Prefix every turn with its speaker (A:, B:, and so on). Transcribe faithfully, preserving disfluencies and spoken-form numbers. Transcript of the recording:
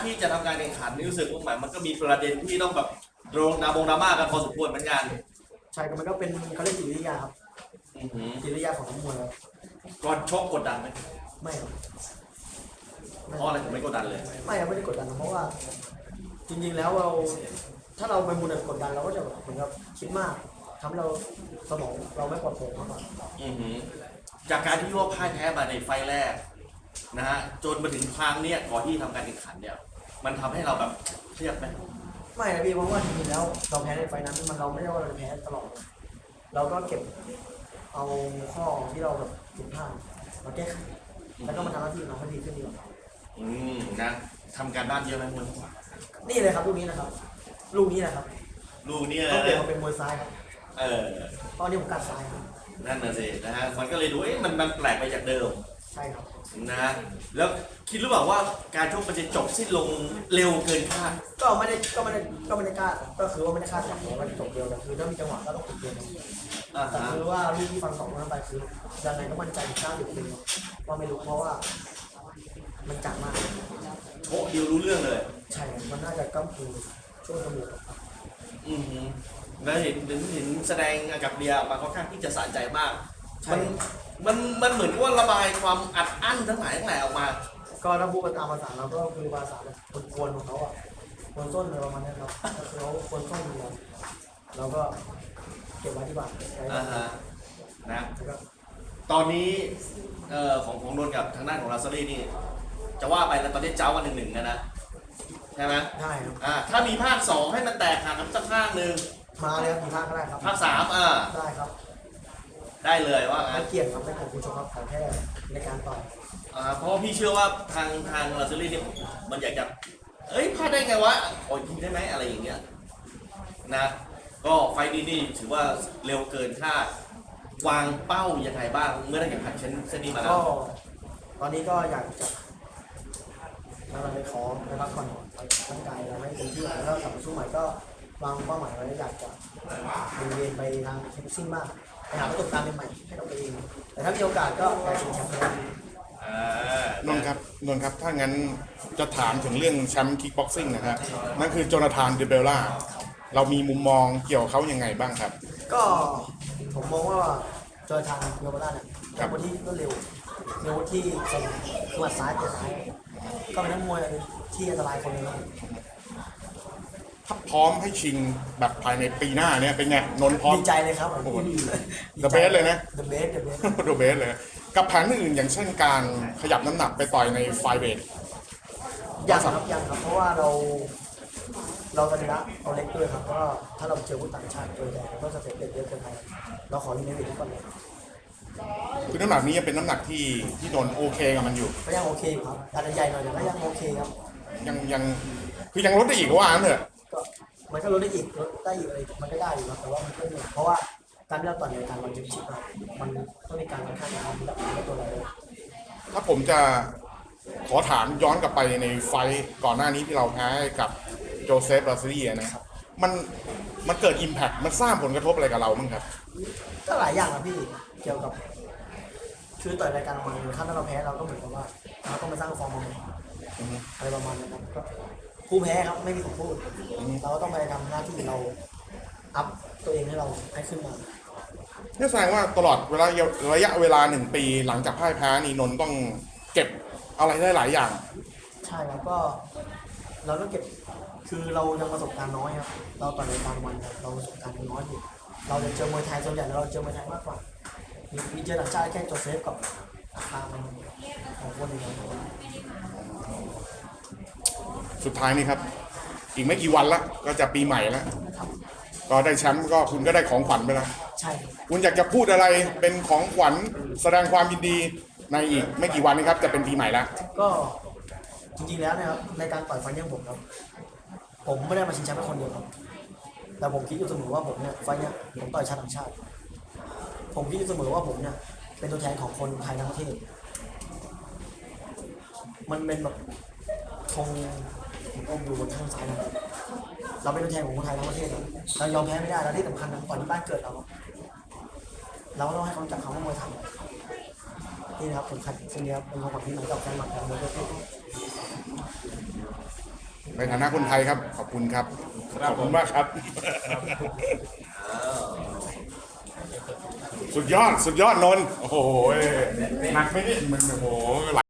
A: ที่จะทำการแข่งขันนี่รู้สึกว่าหมายมันก็มีประเด็นที่ต้องแบบโดนดราบงดราม่ากันพอสมควรเหมือนกัน
B: ใช่ก็มันก็เป็นเขาเรียกจิตวิทยาครับ
A: อือหือ
B: จิตวิทยาของนักมวยครับ
A: ก่อนชกกดดันไหม
B: ไม่ครับ
A: เพราะอะไรถึงไม่กดดันเลย
B: ไม่ครับไม่ได้กดดันเพราะว่า จริงๆแล้วเราถ้าเราไปมุนกดดันเราก็จะแบบเหมือนกับคิดมากทำให้เราสมองเราไม่ปลอดโปร่งมากกว่า
A: อือหือจากการที่ว่าพ่ายแพ้มาในไฟล์แรกนะฮะจนมาถึงครั้งเนี้ยก่อนที่ทำการแข่งขันเนี่ยมันทำให้เราแบบเครียดไหม
B: ไม่นะพี่เพราะว่าจริงๆแล้วเราแพ้ในไฟนั้นมันเราไม่ได้ว่าเราจะแพ้ตลอด เราก็เก็บเอาข้อที่เราแบบผิดพลาดมาแก้ไขแล้วก็มาทำหน้าที่ของเราให้ดีขึ้นดีกว่า
A: อืมนะทำการบ้านเยอะไหมคุณ
B: นี่เลยครับลูกนี้นะครับ ลูกนี้นะครับ
A: ลูกนี้
B: ต้องเปลี่ยน
A: นะ
B: มาเป็นมวยซ้ายครับ
A: เออ
B: ตอนนี้ผมกัดซ้ายครับ
A: นั่นน่ะสินะฮะมันก็เลยดูเอ๊ะมันมันแปลกไปจากเดิม
B: ใช่ครับ
A: นะฮะแล้วคิดหรือเปล่าว่าการชกมันจะจบสิ้นลงเร็วเกินคาด
B: ก็ไม่ได้ก็ไม่ได้ก็ไม่ได้คาดก็คือว่าไม่ได้คาดหวังว่าจะจบเร็วแต่คือถ้ามีจังหวะก็ต้องติดเกม
A: อ่า
B: แต่
A: ฮะ
B: คือว่าลูกที่ฟังสองนั้นไปคือยังไงก็มั่นใจเก้าสิบเปอร์เซ็นต์ว่าไม่รู้เพราะว่า มันจัดมาก
A: โอ้ดิวรู้เรื่องเลย
B: ใช่ มันน่าจะก้ามคือช่วงจมูก
A: อือหือแล้วเห็นเห็นเห็นแสดงกับเดียมาค่อนข้างที่จะสะใจมาก มันมันมันเหมือนว่าระบายความอัดอั้นทั้งหลายทั้งแหล่ออกมา
B: ก็ถ้าพูดตามภาษาเราก็คือภาษาแบบกวนๆของเขาอ่ะกวนส้นอะไรประมาณนี้ครับก็คือเขากวนส้นอยู่แล้วเราก็เก็บไว้ที่บ้าน
A: อ่าฮะนะ
B: แล้วก็
A: ตอนนี้เอ่อของของนนท์กับทางด้านของลาซารีนี่จะว่าไปแล้วตอนนี้เจ้าวันหนึ่งหนึ่งนะนะใช่ไหม
B: ได้ครับ
A: อ่าถ้ามีภาคสองให้มันแตกหักกันสักภาคหนึ่ง
B: มาเลยครับมีภาคก็ได้ครับ
A: ภาคสามอ่า
B: ได้ครับ
A: ได้เลยว่า
B: ไม่
A: งั้น
B: เกี่ยงครับไม่ของคุณชมครับขอแค่ในการต่อย
A: อ่าเพราะว่าพี่เชื่อว่าทางทางลาซารีเนี่ยมันอยากจะเอ้ยพลาดได้ไงวะโอ้ยยิงได้ไหมอะไรอย่างเงี้ยนะก็ไฟล์นี้นี่ถือว่าเร็วเกินคาดวางเป้ายังไงบ้างเมื่อได้แข่งขันเช่นเช่นนี้มาแล้
B: ก็
A: ว
B: ตอนนี้ก็อยากจะมาไปขอไปพักผ่อนร่างกายเราให้เต็มที่แล้วก็กลับมาสู้ใหม่ก็วางเป้าหมายไว้อยากจะเรียนไปทางคิกซิ่งมากไปหาประสบการณ์ใหม่ๆให้เราตัวเองแต่ถ้ามีโอกาสก็อยากชิงแชมป์ครับ
A: อ่าน
C: นท์ครับนนท์ครับถ้างั้นจะถามถึงเรื่องแชมป์คิกบ็อกซิ่งนะครับนั่นคือโจนาธานเดเบลล่าเรามีมุมมองเกี่ยวกับเขายังไงบ้างครับ
B: ก็ผมมองว่าจอยทางโยบาร่าเนี่ยเป็นคนที่รวดเร็วเร็วที่คมหมัดซ้ายเตะซ้ายก็เป็นนักมวยที่อันตรายคนหนึงครับ
C: ถ้าพร้อมให้ชิงแบบภายในปีหน้าเนี่ยเป็นไงนนท์พร้อม
B: ดีใจเลยครับผม
C: โอ้โห The best เลยนะ
B: The best The best
C: โดเบสเลยกับแผนอื่นอย่างเช่นการขยับน้ำหนักไปต่อยในไฟเวท
B: ยังครับยังครับเพราะว่าเราเราตอนนี้ละเราเล็กด้วยครับก็ถ้าเราเจอผู้ต่างชาติตัวใหญ่ก็จะเสร็จเด็ดเยอะเกินไปเราขออยู่ในเวทที่ก่อนเลย
C: คือน้ำหนักนี้ยังเป็นน้ำหนักที่ที่นนท์โอเคกับมันอยู่
B: ก็ยังโอเคอยู่ครับอาจจะใหญ่หน่อยแต่ก็ยังโอเคครับ
C: ยังยังคือยังลดได้อีกว่างั้นเถอะ
B: ก็มันก็ลดได้อีกลดได้อีกอะไรมันก็ได้อยู่ครับแต่ว่ามันก็เหนื่อยเพราะว่าการที่เราต่อยในการวันจิบชิปอะมันต้องมีการค่อนข้างทำระดับตัวเราเลย
C: ถ้าผมจะขอถามย้อนกลับไปในไฟต์ก่อนหน้านี้ที่เราแพ้กับโจเซฟลาซิลีนะครับมันมันเกิดอิมแพคมันสร้างผลกระทบอะไรกับเราบ้างครับ
B: ก็หลายอย่างนะพี่เกี่ยวกับ คือต่อยรายการมันถ้าเราแพ้เราก็เหมือนกับว่าเราต้องมาสร้างฟอร์มใหม่
C: อือฮึ
B: อะไรประมาณนั้นครับก็ผู้แพ้ครับไม่มีสิทธิ์พูดเราก็ต้องไปทำหน้าที่เราอัพตัวเองให้เราให้ขึ้นมา
C: นี่แสดงว่าตลอดเวลาระยะเวลาหนึ่งปีหลังจากพ่ายแพ้นี่นนท์ต้องเก็บอะไรได้หลายอย่าง
B: ใช่ครับก็เราต้องเก็บคือเรายังประสบการณ์น้อยครับเราต่อยรายการวันครับเราประสบการณ์ยังน้อยอยู่เราจะเจอมวยไทยส่วนใหญ่เราเจอมวยไทยมากกว่ามีมีเจอต่างชาติแค่โจเซฟกับอาคามันของคนอื่นครับ
C: สุดท้ายนี่ครับ อีกไม่กี่วันละก็จะปีใหม่แล้วก็ได้แชมป์ก็คุณก็ได้ของขวัญไปแล้ว
B: ใช่ครับ
C: คุณอยากจะพูดอะไรเป็นของขวัญแสดงความยินดีในอีกไม่กี่วันนี้ครับจะเป็นปีใหม่แล้ว
B: ก็จริงๆแล้วนะครับในการต่อยไฟล์เนี่ยผมครับผมไม่ได้มาชิงแชมป์แค่คนเดียวครับแต่ผมคิดอยู่เสมอว่าผมเนี่ยไฟล์เนี่ยผมต่อยชาติต่างชาติ ผมคิดอยู่เสมอว่าผมเนี่ยเป็นตัวแทนของคนไทยทั้งประเทศ มันเป็นแบบธงผมอมอยู่บนข้างซ้ายนะเราเป็นตัวแทนของคนไทยทั้งประเทศนะเรายอมแพ้ไม่ได้แล้วที่สำคัญนะต่อยที่บ้านเกิดเราเราก็ต้องให้เขารู้จักคำว่ามวยไทยนี่นะครับผมขัดเส้นนี้ครับเป็นของขวัญที่ไหนกับแฟนหมัดของมวยทั่วโลก
C: ในฐานะคนไทยครับขอบคุณครับขอบคุณมากครับ สุดยอดสุดยอดนนท์โอ้โหหนักไหมเนี่ยมันโอ้โห